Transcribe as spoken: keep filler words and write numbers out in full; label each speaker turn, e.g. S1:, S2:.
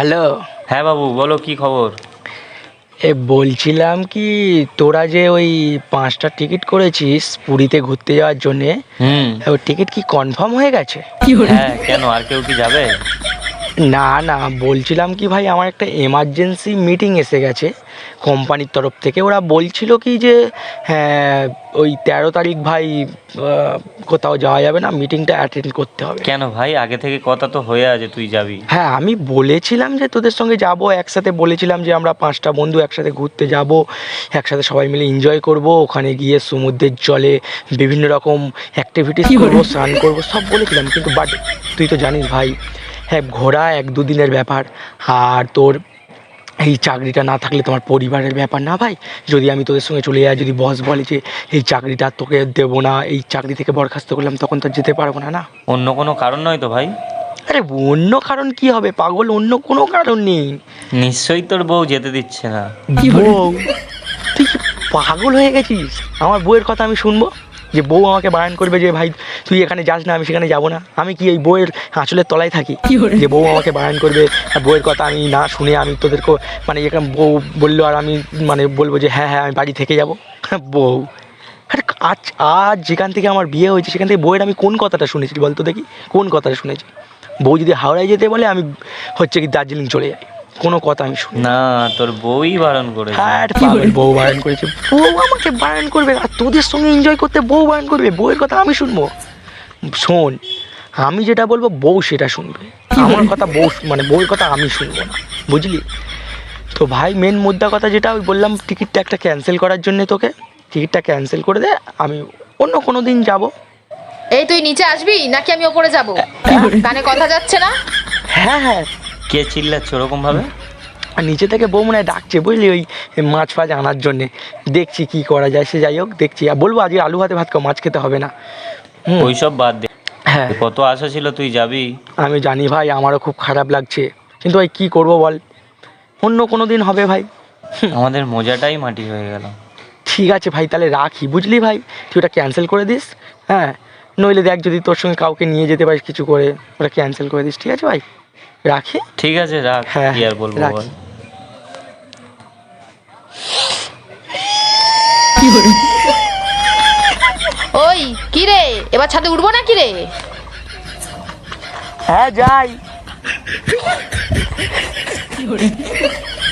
S1: Hello.
S2: হ্যাঁ বাবু বলো, কি খবর?
S1: এ বলছিলাম কি, তোরা যে ওই পাঁচটা টিকিট করেছিস পুরীতে ঘুরতে যাওয়ার জন্যে,
S2: হুম।
S1: ওই টিকিট কি কনফার্ম হয়ে গেছে?
S2: হ্যাঁ, কেন আর কেউ কি যাবে?
S1: না না, বলছিলাম কি ভাই, আমার একটা এমার্জেন্সি মিটিং এসে গেছে কোম্পানির তরফ থেকে। ওরা বলছিল কি যে হ্যাঁ, ওই তেরো তারিখ ভাই আহ, কোথাও যাওয়া যাবে না, মিটিংটা অ্যাটেন্ড করতে হবে।
S2: কেন ভাই, আগে থেকে কথা তো হয়ে আছে তুই যাবি।
S1: হ্যাঁ, আমি বলেছিলাম যে তোদের সঙ্গে যাব, একসাথে বলেছিলাম যে আমরা পাঁচটা বন্ধু একসাথে ঘুরতে যাব, একসাথে সবাই মিলে এনজয় করব, ওখানে গিয়ে সমুদ্রের জলে বিভিন্ন রকম অ্যাক্টিভিটিস করবো, স্নান করবো, সব বলেছিলাম। কিন্তু বাট তুই তো জানিস ভাই, হ্যাঁ ঘোরা এক দুদিনের ব্যাপার, আর তোর এই চাকরিটা না থাকলে তোমার পরিবারের ব্যাপার না ভাই। যদি আমি তোদের সঙ্গে চলে যাই, যদি বস বলে যে এই চাকরিটা তোকে দেবো না, এই চাকরি থেকে বরখাস্ত করলাম, তখন তো যেতে পারবো না। না,
S2: অন্য কোনো কারণ নয় তো ভাই?
S1: আরে অন্য কারণ কি হবে পাগল, অন্য কোনো কারণ নেই।
S2: নিশ্চয়ই তোর বউ যেতে দিচ্ছে না।
S1: বউ? তুই কি পাগল হয়ে গেছিস? আমার বউয়ের কথা আমি শুনবো? যে বউ আমাকে বারণ করবে যে ভাই তুই এখানে যাস না, আমি সেখানে যাবো না? আমি কি এই বউয়ের আঁচলের তলায় থাকি যে বউ আমাকে বারণ করবে, আর বউয়ের কথা আমি না শুনে আমি তোদেরকে মানে এখানে বউ বললো আর আমি মানে বলবো যে হ্যাঁ হ্যাঁ আমি বাড়ি থেকে যাবো? বউ? আরে আজ আজ যেখান থেকে আমার বিয়ে হয়েছে সেখান থেকে বউয়ের আমি কোন কথাটা শুনেছি বলতো দেখি, কোন কথাটা শুনেছি? বউ যদি হাওড়ায় যেতে বলে আমি হচ্ছে কি দার্জিলিং চলে যাই, কোনো কথা আমি শুনি
S2: না, তোর বউই বারণ করেছে।
S1: হ্যাঁ পাগল, বউ বারণ করেছে? বউ আমাকে বারণ করবে আর তোদের সঙ্গে এনজয় করতে বউ বারণ করবে? বউয়ের কথা আমি শুনবো? শোন, আমি যেটা বলবো বউ সেটা শুনবে, আমার কথা বউ মানে বউয়ের কথা আমি শুনবো না, বুঝলি? তো ভাই মেন মুদ্রা কথা যেটা ওই বললাম, টিকিটটা একটা ক্যান্সেল করার জন্য তোকে, টিকিটটা ক্যান্সেল করে দে, আমি অন্য কোনো দিন যাবো।
S3: এই তুই নিচে আসবি নাকি আমি ওপরে যাব? কানে কথা যাচ্ছে না?
S1: হ্যাঁ হ্যাঁ।
S2: কে চিল্লাচ্ছে ওরকম ভাবে?
S1: আর নিচে থেকে বউ মনে হয় ডাকছে বুঝলি, ওই মাছ ফাছ আনার জন্যে। দেখছি কি করা যায়, সে যাই হোক দেখছি। আর বলবো আজকে আলু ভাতে ভাত খাও, মাছ খেতে হবে না। হুম।
S2: ওইসব বাদ দে।
S1: হ্যাঁ
S2: কত আশা ছিল তুই যাবি।
S1: আমি জানি ভাই, আমারও খুব খারাপ লাগছে, কিন্তু ভাই কী করবো বল, অন্য কোনো দিন হবে ভাই।
S2: আমাদের মজাটাই মাটি হয়ে গেল।
S1: ঠিক আছে ভাই, তাহলে রাখি বুঝলি ভাই, তুই ওটা ক্যান্সেল করে দিস। হ্যাঁ, নইলে দেখ যদি তোর সঙ্গে কাউকে নিয়ে যেতে পারিস কিছু করে, ওটা ক্যান্সেল করে দিস, ঠিক আছে ভাই? রাখি।
S2: ঠিক আছে রাখ,
S1: হ্যাঁ
S2: কি আর বলবো
S1: রাখি।
S2: বল।
S3: ওই কি রে, এবার ছাদে উঠবো না কি রে?
S1: হ্যাঁ যাই।